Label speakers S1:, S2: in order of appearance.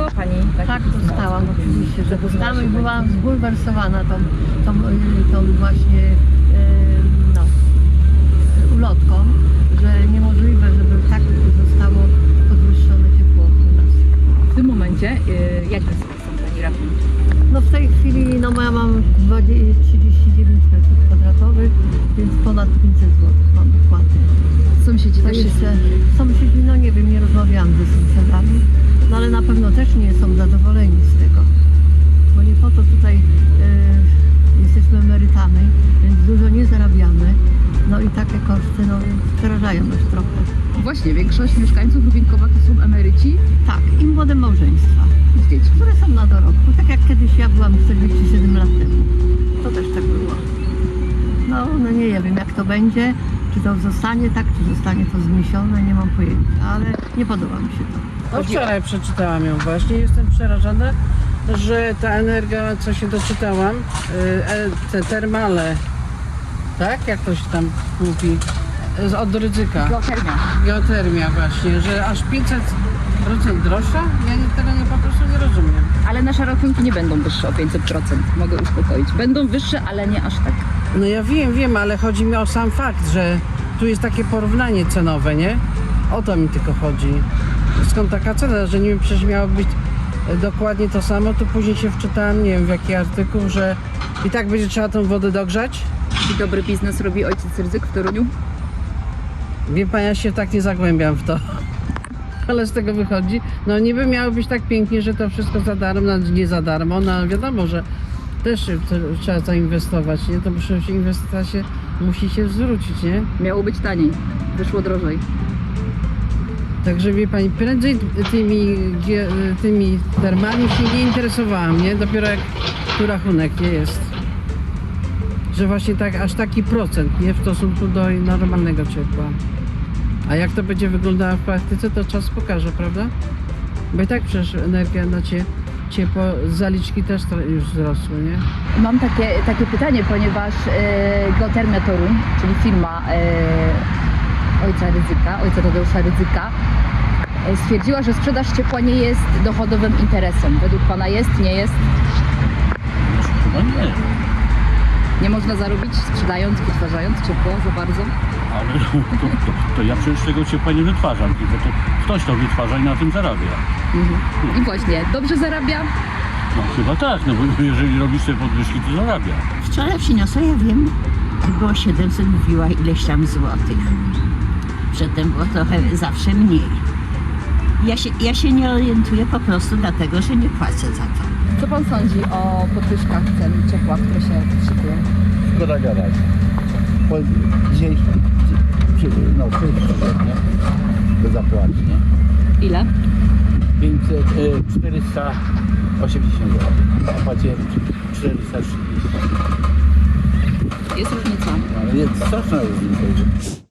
S1: Dostała Pani
S2: Tak, dostałam oczywiście, że dostałam i byłam zbulwersowana tą właśnie no, ulotką, że niemożliwe, żeby tak zostało podwyższone ciepło u nas.
S1: w tym momencie. Jakie są Pani rachunki?
S2: No w tej chwili no ja mam 39 metrów kwadratowych, więc ponad 500 zł mam dopłaty.
S1: Sąsiedzi
S2: To
S1: też się...
S2: jeszcze sąsiedzi, no nie wiem, nie rozmawiałam ze sąsiadami, no ale na pewno też nie są zadowoleni z tego, bo nie po to tutaj jesteśmy emerytami, więc dużo nie zarabiamy, no i takie koszty no przerażają nas trochę.
S1: Właśnie, większość mieszkańców Lubinkowa to są emeryci
S2: Tak, i młode małżeństwa,
S1: z dziećmi.
S2: które są na dorobku, tak jak kiedyś ja byłam 47 lat temu, to też tak było. No nie wiem jak to będzie, czy to zostanie tak, czy zostanie to zniesione, nie mam pojęcia, ale nie podoba mi się to.
S3: No wczoraj przeczytałam ją właśnie, jestem przerażona, że ta energia, co się doczytałam, te termale, tak? Jak to się tam mówi? Od Rydzyka.
S1: Geotermia.
S3: Geotermia właśnie, że aż 500% droższa? Ja tego po prostu nie rozumiem.
S1: Ale nasze rachunki nie będą wyższe o 500%, mogę uspokoić. Będą wyższe, ale nie aż tak.
S3: No ja wiem, ale chodzi mi o sam fakt, że tu jest takie porównanie cenowe, nie? O to mi tylko chodzi. Skąd taka cena, że nie przecież miało być dokładnie to samo, to później się wczytałam, nie wiem w jaki artykuł, że i tak będzie trzeba tą wodę dogrzać.
S1: I dobry biznes robi ojciec Rydzyk w Toruniu.
S3: Wie pan, ja się tak nie zagłębiam w to. Ale z tego wychodzi, no niby miało być tak pięknie, że to wszystko za darmo, no nie za darmo, no wiadomo, że też trzeba zainwestować, nie? To przecież inwestycja musi się zwrócić, nie?
S1: Miało być taniej, wyszło drożej.
S3: Także wie pani, prędzej tymi termami się nie interesowałam, nie? Dopiero jak tu rachunek nie jest. Że właśnie tak, aż taki procent, nie? W stosunku do normalnego ciepła. A jak to będzie wyglądało w praktyce, to czas pokaże, prawda? Bo i tak przecież energia na ciepło, zaliczki też już wzrosły, nie?
S1: Mam takie pytanie, ponieważ Geotermia Toruń, czyli firma ojca Tadeusza Rydzyka, stwierdziła, że sprzedaż ciepła nie jest dochodowym interesem. Według Pana jest, nie jest?
S4: Chyba nie,
S1: Nie można zarobić sprzedając, wytwarzając ciepło za bardzo?
S4: ale to ja przecież tego ciepła nie wytwarzam, tylko to ktoś to wytwarza i na tym zarabia.
S1: I właśnie, dobrze zarabia?
S4: No chyba tak, no bo jeżeli robisz sobie podwyżki, to zarabia.
S5: Wczoraj przyniosła, ja wiem, było 700, mówiła ileś tam złotych. Przedtem było trochę zawsze mniej. Ja się nie orientuję po prostu dlatego, że nie płacę za to.
S1: Co Pan sądzi o podwyżkach cen ciepła, które się szykują?
S6: Szkoda gadać. Bo dzisiaj no, nie? Do zapłaty, nie?
S1: Ile?
S6: 480 zł. A płaciłem 430.
S1: Jest różnica.
S6: Ale jest straszna różnica.